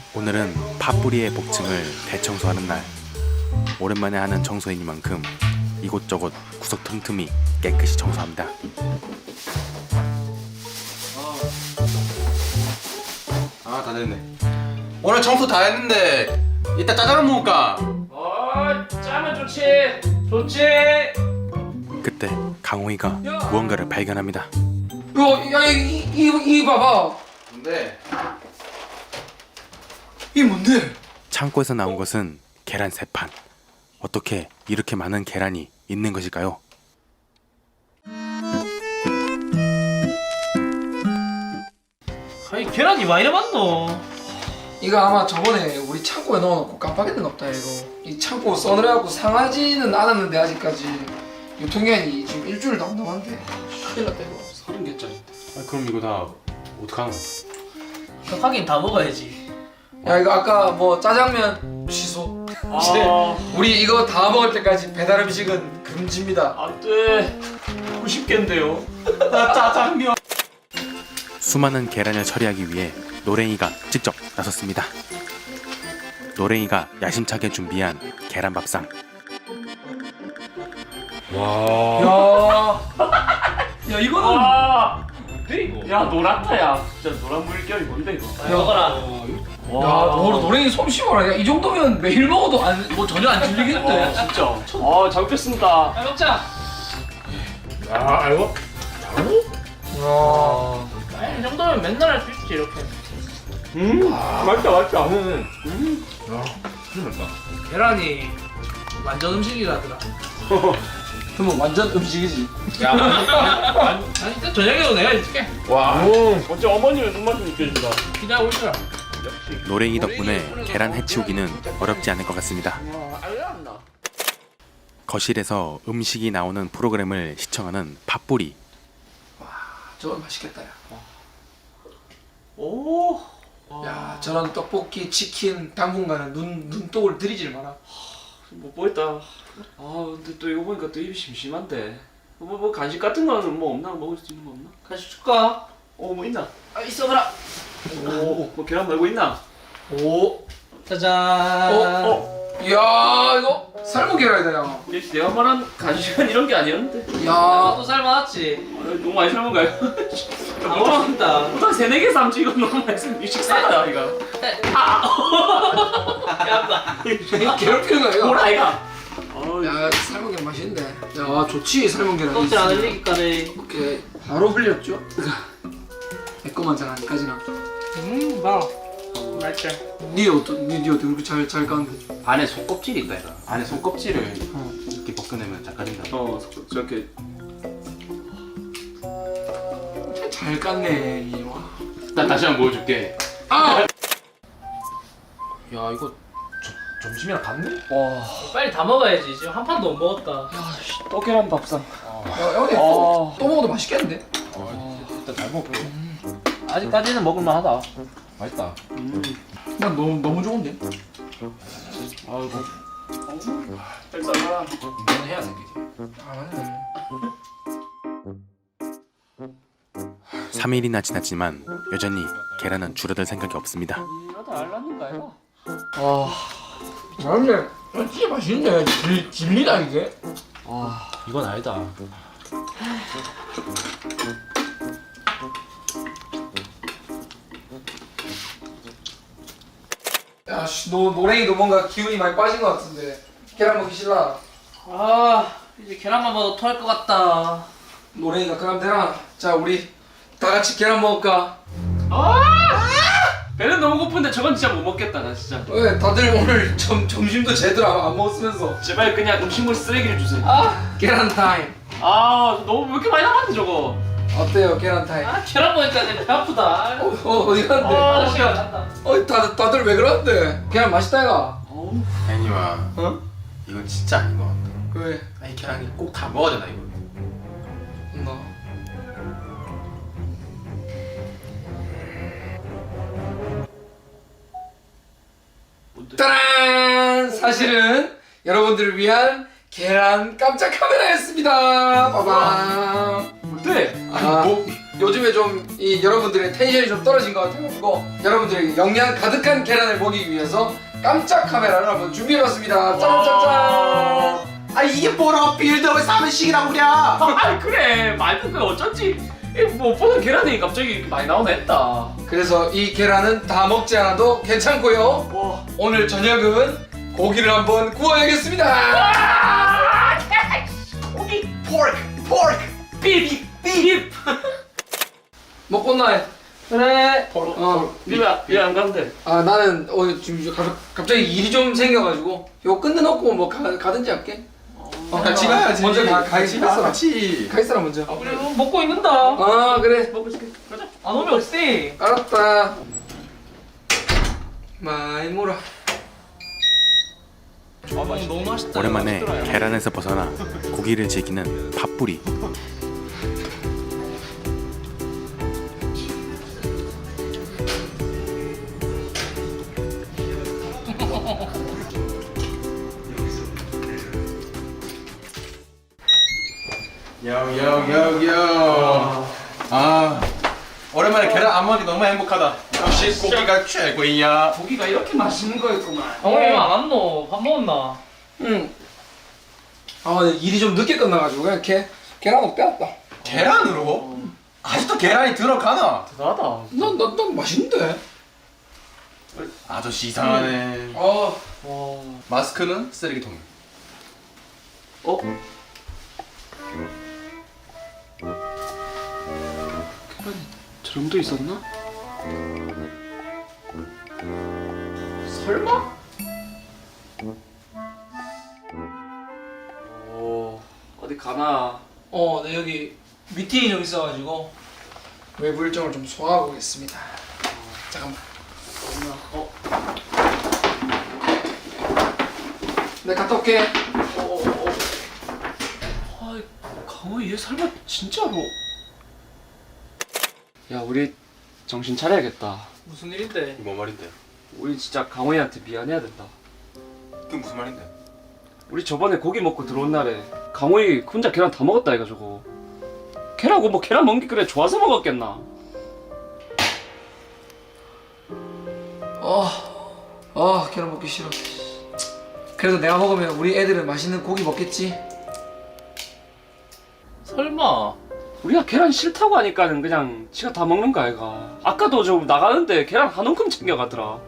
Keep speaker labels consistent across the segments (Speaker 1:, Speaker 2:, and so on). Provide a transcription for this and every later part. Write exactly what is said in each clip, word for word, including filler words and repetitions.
Speaker 1: 오늘은 팥뿌리의 복층을 대청소하는 날. 오랜만에 하는 청소이니만큼 이곳저곳 구석 틈틈이 깨끗이 청소합니다.
Speaker 2: 아, 다 됐네. 오늘 청소 다 했는데 이따 짜장면 먹을까?
Speaker 3: 어, 짜면 좋지. 좋지.
Speaker 1: 그때 강호이가 무언가를 발견합니다.
Speaker 4: 야, 야, 이, 이, 이 봐봐.
Speaker 2: 근데
Speaker 4: 이게 뭔데?
Speaker 1: 창고에서 나온 것은 계란 세 판. 어떻게 이렇게 많은 계란이 있는 것일까요?
Speaker 3: 아니 계란이 왜 이래 많노?
Speaker 4: 이거 아마 저번에 우리 창고에 넣어놓고 깜빡했는 없다 이거. 이 창고 써느라고 상하지는 않았는데 아직까지 유통기한이 지금 일주일도 안 남았는데 큰일 났다 이거.
Speaker 2: 서른 개짜리. 아, 그럼 이거 다 어떡하노?
Speaker 3: 하긴 다 먹어야지.
Speaker 4: 야 이거 아까 뭐 짜장면 취소. 이제
Speaker 3: 아,
Speaker 4: 우리 이거 다 먹을 때까지 배달 음식은 금지입니다.
Speaker 3: 안돼. 구십 개인데요. 나 짜장면.
Speaker 1: 수많은 계란을 처리하기 위해 노랭이가 직접 나섰습니다. 노랭이가 야심차게 준비한 계란밥상.
Speaker 4: 야, 야 이거는
Speaker 3: 와. 근데 이거. 야 노랗다야. 진짜 노란 물결이 뭔데 이거?
Speaker 4: 야,
Speaker 3: 먹어라.
Speaker 4: 야, 너 노랭이 솜씨봐라. 야, 이 정도면 매일 먹어도 안, 뭐 전혀 안 질리겠는데.
Speaker 3: 아 진짜. 아 잘 먹겠습니다. 잘 먹자.
Speaker 2: 야, 이거
Speaker 4: 야.
Speaker 3: 아이 정도면 맨날 할 수 있지 이렇게.
Speaker 2: 음, 맛있다, 맛있다. 음, 음. 야, 진짜 맛있다.
Speaker 3: 계란이 완전 음식이라더라.
Speaker 4: 그러면 완전 음식이지.
Speaker 3: 야, 아니 일단 저녁에도 내가 해줄게.
Speaker 2: 와,
Speaker 3: 어째 어머님의 손맛 좀 느껴진다. 기다리고 있어라.
Speaker 1: 노랭이 덕분에 계란 해치우기는 어렵지 않을 것 같습니다.
Speaker 3: 알려놨나?
Speaker 1: 거실에서 음식이 나오는 프로그램을 시청하는 팥뿌리.
Speaker 4: 저건 맛있겠다 야.
Speaker 3: 오.
Speaker 4: 야 저런 떡볶이, 치킨 당분간은 눈 눈독을 들이질 마라.
Speaker 5: 못 보겠다. 아 근데 또 이거 보니까 또 입이 심심한데. 뭐, 뭐 간식 같은 거는 뭐 없나? 먹을 수 있는 거 없나?
Speaker 3: 같이 줄까?
Speaker 5: 어 뭐 있나?
Speaker 3: 아 있어봐라.
Speaker 5: 오, 뭐 계란 말고 있나?
Speaker 4: 오.
Speaker 3: 짜잔.
Speaker 4: 어, 어. 야 이거 삶은 계란이다 야.
Speaker 5: 역시 내가 말한 간식은 이런 게 아니었는데.
Speaker 4: 야.
Speaker 3: 너도 삶아놨지.
Speaker 5: 아, 너무 많이 삶은 거야.
Speaker 3: 아 먹었다.
Speaker 5: 보통 세네 개 삶지 이거 너무 많이 삶. 이거 식사다 이거.
Speaker 3: 야,
Speaker 4: 이거 괴롭히는 거야 이거.
Speaker 5: 뭐라 이거? 아,
Speaker 4: 야 삶은 계란 맛있는데. 야 좋지 삶은 계란.
Speaker 3: 껍질 안 흘리기까지.
Speaker 4: 이렇게 바로 흘렸죠. 내 거만 잘 아니까지나.
Speaker 3: 음, 봐. 맛있지.
Speaker 4: 니 어떤 니, 니 어떻게 그렇게 잘잘 까는데?
Speaker 2: 안에 속껍질이 있다, 이거. 안에 속껍질을 이렇게 벗겨내면 작가진다.
Speaker 5: 어 저렇게.
Speaker 4: 잘 깠네 이 와.
Speaker 2: 나 다시 한번 보여줄게.
Speaker 4: 아.
Speaker 2: 야, 이거 저, 점심이랑 같네?
Speaker 5: 와.
Speaker 3: 빨리 다 먹어야지. 지금 한 판도 못 먹었다.
Speaker 5: 또 계란 밥상.
Speaker 4: 야 형님 또, 또 먹어도 맛있겠는데?
Speaker 2: 어, 일단 잘 먹어.
Speaker 3: 아직까지는 먹을만하다.
Speaker 2: 맛있다.
Speaker 4: 난 너무 너무 좋은데?
Speaker 2: 아이고,
Speaker 5: 잘 삶아라.
Speaker 2: 이건 해야 돼, 이게.
Speaker 4: 아 맞네.
Speaker 1: 삼 일이나 지났지만 여전히 계란은 줄어들 생각이 없습니다.
Speaker 5: 나도 알랐는가 이거.
Speaker 4: 아, 근데 진짜 맛있네. 질, 질리다 이게.
Speaker 2: 아, 이건 아니다.
Speaker 4: 야, 씨, 너 노랭이도 뭔가 기운이 많이 빠진 것 같은데. 계란 먹기 싫나?
Speaker 3: 아, 이제 계란만 먹어도 토할 것 같다.
Speaker 4: 노랭이가 그럼 되나? 자, 우리 다 같이 계란 먹을까?
Speaker 5: 배는 너무 고픈데 저건 진짜 못 먹겠다 나 진짜.
Speaker 4: 왜 다들 오늘 점 점심도 제대로 안, 안 먹었으면서.
Speaker 5: 제발 그냥 음식물 쓰레기를 주세요.
Speaker 4: 아, 계란 타임.
Speaker 5: 아 너무 왜 이렇게 많이 남았는데 저거.
Speaker 4: 어때요, 계란 타임?
Speaker 3: 아, 계란 먹으니까 내 배 아프다.
Speaker 4: 어, 어 어디 갔는데?
Speaker 3: 아, 시간 갔다.
Speaker 4: 어, 다들 다들 왜 그러는데? 계란 맛있다 이가.
Speaker 5: 어우.
Speaker 2: 애니와,
Speaker 4: 어?
Speaker 2: 이건 진짜 아닌 것 같다.
Speaker 4: 왜?
Speaker 2: 아니, 계란이 꼭 다 먹어야 되나, 이거?
Speaker 4: 너. 따란! 사실은 여러분들을 위한 계란 깜짝 카메라였습니다. 빠밤.
Speaker 5: 어때?
Speaker 4: 아,
Speaker 2: 뭐,
Speaker 4: 요즘에 좀 이 여러분들의 텐션이 좀 떨어진 것 같아가지고 여러분들에게 영양 가득한 계란을 먹이기 위해서 깜짝 카메라를 한번 준비해봤습니다. 짠짠짠.
Speaker 2: 아 이게 뭐라고 빌드업을 사면식이라고 그래.
Speaker 5: 아 그래 말도 그 어쩐지 뭐 보는 계란이 갑자기 이렇게 많이 나오네 했다.
Speaker 4: 그래서 이 계란은 다 먹지 않아도 괜찮고요.
Speaker 5: 와.
Speaker 4: 오늘 저녁은 고기를 한번 구워야겠습니다.
Speaker 5: 아, 고기
Speaker 2: 포크 포크.
Speaker 5: 비비 비비.
Speaker 4: 먹고 나해. 그래. 어.
Speaker 5: 니왜안 가는데?
Speaker 4: 아 나는 오늘 지금 가- 갑자기 일이 좀 생겨가지고 이거 끝내놓고 뭐 가, 가든지 할게. 어,
Speaker 2: 같이 가야지.
Speaker 4: 먼저 가 가기
Speaker 2: 같이 가,
Speaker 4: 싫었어.
Speaker 2: 같이.
Speaker 4: 가 있어라 먼저.
Speaker 5: 아 그래 뭐
Speaker 3: 먹고 있는다.
Speaker 4: 아 그래.
Speaker 5: 먹고 있을게. 가자.
Speaker 3: 안 오면 어찌?
Speaker 4: 알았다. 많이 물어.
Speaker 3: 너무 맛있다.
Speaker 1: 오랜만에 계란에서 벗어나 고기를 즐기는 팥뿌리.
Speaker 2: 요요요요. 아 오랜만에 계란 안 먹기 너무 행복하다. 역시 고기가 최고야.
Speaker 5: 고기가 이렇게 맛있는 거였구만.
Speaker 3: 어, 안 왔노? 밥 먹었나?
Speaker 4: 응. 아 근데 일이 좀 늦게 끝나가지고 그냥 계 계란을 빼왔다.
Speaker 2: 계란으로? 아직도 계란이 들어가나?
Speaker 5: 대단하다.
Speaker 4: 난난 난 맛있는데.
Speaker 2: 아저씨 이상하네.
Speaker 4: 아
Speaker 5: 와.
Speaker 2: 마스크는 쓰레기통에.
Speaker 5: 어? 계란이 저정도 있었나? 설마? 오 어디 가나?
Speaker 4: 어, 네 여기 미팅이 좀 있어가지고 외부 일정을 좀 소화하고 오겠습니다. 잠깐만.
Speaker 5: 어?
Speaker 4: 네 갔다 올게.
Speaker 5: 어? 어? 어? 아 강호 얘 설마 진짜로? 야 우리 정신 차려야겠다.
Speaker 3: 무슨 일인데?
Speaker 2: 이거 뭔 말인데?
Speaker 5: 우리 진짜 강호이한테 미안해야 된다.
Speaker 2: 그게 무슨 말인데?
Speaker 5: 우리 저번에 고기 먹고 들어온 날에 강호이 혼자 계란 다 먹었다 해가지고 계란고 뭐 계란 먹기 그래 좋아서 먹었겠나?
Speaker 4: 어, 어 계란 먹기 싫어. 그래도 내가 먹으면 우리 애들은 맛있는 고기 먹겠지.
Speaker 3: 설마.
Speaker 5: 우리가 계란 싫다고 하니까는 그냥 지가 다 먹는 거 아이가. 아까도 좀 나가는데 계란 한 움큼 챙겨가더라.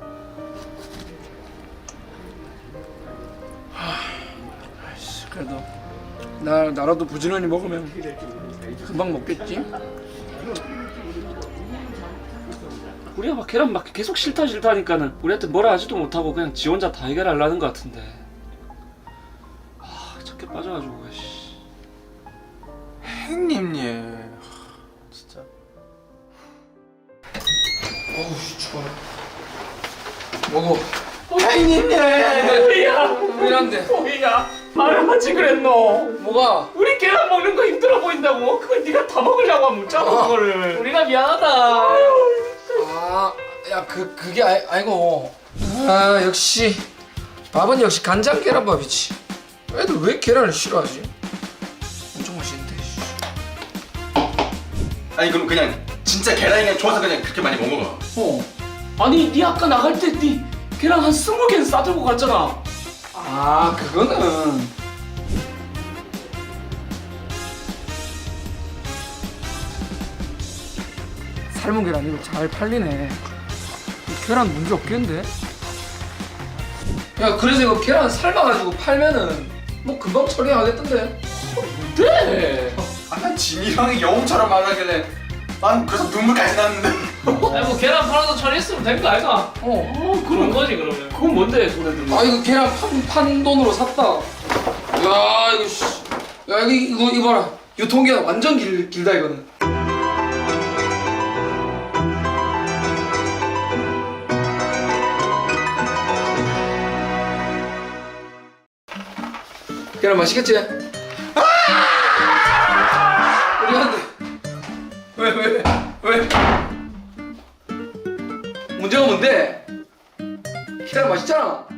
Speaker 4: 그래도 나 나라도 부지런히 먹으면 금방 먹겠지.
Speaker 5: 우리가 막 계란 막 계속 싫다 싫다 하니까는 우리한테 뭐라 하지도 못하고 그냥 지 혼자 다 해결하려는 거 같은데. 아 착해 빠져가지고 씨.
Speaker 2: 형님 예. 진짜.
Speaker 4: 어우 추워. 먹어.
Speaker 2: 형님 예.
Speaker 5: 호이야
Speaker 4: 미안한데.
Speaker 5: 호이야 말을 하지 그랬노.
Speaker 4: 뭐가?
Speaker 5: 우리 계란 먹는 거 힘들어 보인다고. 그걸 네가 다 먹으려고 하면 묻잖아 그거를.
Speaker 3: 우리가 미안하다.
Speaker 4: 아, 야, 그, 그게 아, 아니고. 아, 역시. 밥은 역시 간장 계란밥이지. 애들 왜 계란을 싫어하지? 엄청 맛있는데. 씨.
Speaker 2: 아니 그럼 그냥 진짜 계란이 그냥 좋아서 그냥 그렇게 많이 먹은 거야.
Speaker 4: 어.
Speaker 5: 아니 네 아까 나갈 때 네 계란 한 스무 개는 싸들고 갔잖아.
Speaker 4: 아, 그거는. 삶은 계란 이거 잘 팔리네. 이 계란 문제 없겠는데? 야, 그래서 이거 계란 삶아가지고 팔면은 뭐 금방 처리하겠던데?
Speaker 5: 네.
Speaker 2: 아난 진이랑이 영웅처럼 말하길래 난 그래서 눈물까지 났는데.
Speaker 3: 아니 뭐 계란 팔아서 처리했으면 된 거 아이가?
Speaker 4: 어.
Speaker 5: 어
Speaker 3: 그런
Speaker 5: 그럼
Speaker 3: 거지 그러면.
Speaker 5: 그건 뭔데 손에 들고?
Speaker 4: 아 이거 계란 판, 판 돈으로 샀다. 야 이거 씨. 야 이거 이거 이거 봐라. 유통기한 완전 길, 길다 이거는. 계란 맛있겠지? 아! 우리 한대. 왜 왜 왜? 문제가 뭔데? 계란 맛있잖아.